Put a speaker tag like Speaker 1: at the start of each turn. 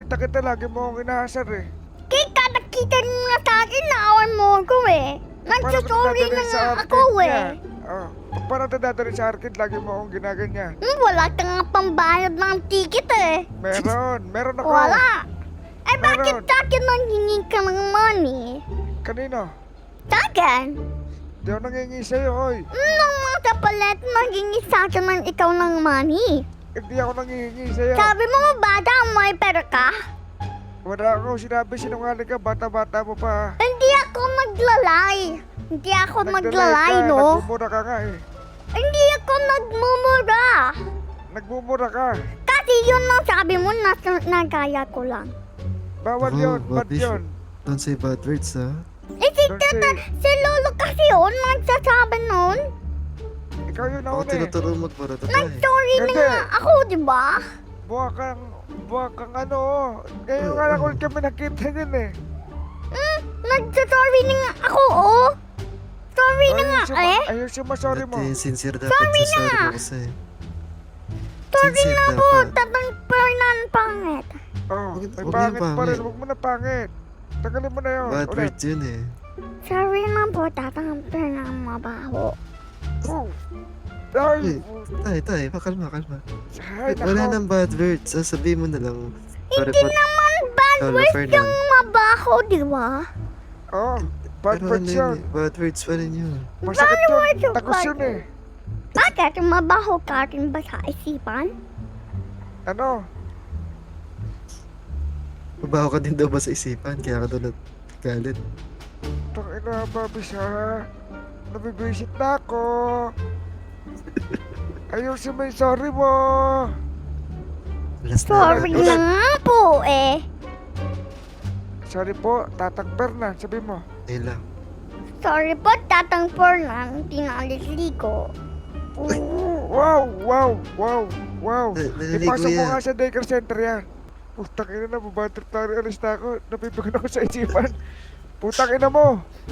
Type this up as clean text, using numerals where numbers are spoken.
Speaker 1: kita, lagi mo akong inaasar eh.
Speaker 2: Kaya nakita mo na sa akin, naawan mo ako eh. Nagsasorry na nga ako eh.
Speaker 1: Oh, para dadalhin sa arcade, lagi mo akong ginaganyan.
Speaker 2: Wala ka nga pambayad ng ticket eh.
Speaker 1: Meron ako.
Speaker 2: Wala. Eh bakit
Speaker 1: Meron.
Speaker 2: sa akin nanghingi ka ng money?
Speaker 1: Kanino?
Speaker 2: Sa akin?
Speaker 1: Di ako nangingi sa'yo, oy.
Speaker 2: Nung mga kapalit, nanghingi sa akin ng ikaw ng money.
Speaker 1: Hindi ako nangihingi sa'yo.
Speaker 2: Sabi mo bata, may pera ka?
Speaker 1: Wala ako sinabi, sinungaling ka, bata-bata mo pa.
Speaker 2: Hindi ako maglalay. Hindi ako maglalay,
Speaker 1: ka,
Speaker 2: no?
Speaker 1: Nagmumura ka nga eh.
Speaker 2: Hindi ako nagmumura.
Speaker 1: Nagmumura ka.
Speaker 2: Kasi yun ang sabi mo, nagaya ko lang.
Speaker 1: Bawal yun, bad yun.
Speaker 3: Don't say bad words, ha?
Speaker 2: Eh,
Speaker 1: Don't say-
Speaker 2: si Lolo kasi yun, nagsasabi nun.
Speaker 1: Ikaw yun
Speaker 3: Ako
Speaker 1: nauna eh.
Speaker 3: tinuturo magbarata tayo.
Speaker 2: Nag-sorry na
Speaker 1: Hindi.
Speaker 2: nga ako, di ba?
Speaker 1: Buha kang ano. Ngayon nga lang ulit kami nakita yun eh.
Speaker 2: Nagsasorry na nga ako, oh. Sorry na nga, eh.
Speaker 1: Ayun sumasorry mo.
Speaker 3: Dati, sincere dapat
Speaker 2: Sorry
Speaker 3: sa sorry
Speaker 2: na.
Speaker 3: mo kasi.
Speaker 2: Sorry
Speaker 3: Sincere
Speaker 2: na po,
Speaker 3: dapat.
Speaker 2: tatang pernan pangit.
Speaker 1: Oh,
Speaker 3: Huwag-
Speaker 1: may
Speaker 3: huwag
Speaker 1: pangit
Speaker 3: yung
Speaker 1: pa rin.
Speaker 3: pangit.
Speaker 1: Huwag mo na pangit. Tagalin mo na yun.
Speaker 3: Bad
Speaker 1: Ulit.
Speaker 3: words yun eh.
Speaker 2: Sorry na po, tatang pernan mabaho.
Speaker 1: Oh. Ay,
Speaker 3: Tay, pakalma.
Speaker 1: ay,
Speaker 3: Wala
Speaker 1: nako.
Speaker 3: nang bad words. Sasabihin mo na lang. Sorry
Speaker 2: Hindi
Speaker 3: po.
Speaker 2: naman bad
Speaker 3: Lolo
Speaker 2: words
Speaker 3: Fernan.
Speaker 2: yung mabaho, di ba?
Speaker 1: Oh, bad
Speaker 3: Pero
Speaker 1: words
Speaker 3: ano
Speaker 1: yun.
Speaker 3: yun eh, bad words pa rin yun.
Speaker 1: Masakit
Speaker 2: Bad words
Speaker 1: yun.
Speaker 2: yung
Speaker 1: Takos
Speaker 2: bad
Speaker 1: yun eh.
Speaker 2: Bakit? Mabaho ka rin ba sa isipan?
Speaker 1: Ano?
Speaker 3: Mabaho ka din daw ba sa isipan? Kaya ka daw nagalit.
Speaker 1: Tangina, babis ha. Nabibisit na ako. Ayusin mo yung sorry mo.
Speaker 3: Last
Speaker 2: Sorry
Speaker 3: na.
Speaker 2: na nga po, eh.
Speaker 1: Sorry po, Tatang Bernan, sabi mo.
Speaker 3: Ayun lang.
Speaker 2: Sorry po, tatang pernan, tinalisli ko.
Speaker 1: Wow.
Speaker 3: Naliligo
Speaker 1: Ipasok mo
Speaker 3: yan.
Speaker 1: nga sa daycare center yan. Putang ina na, babatrip tayo, alis na ako. Napipigon ako sa isipan. Putang ina mo.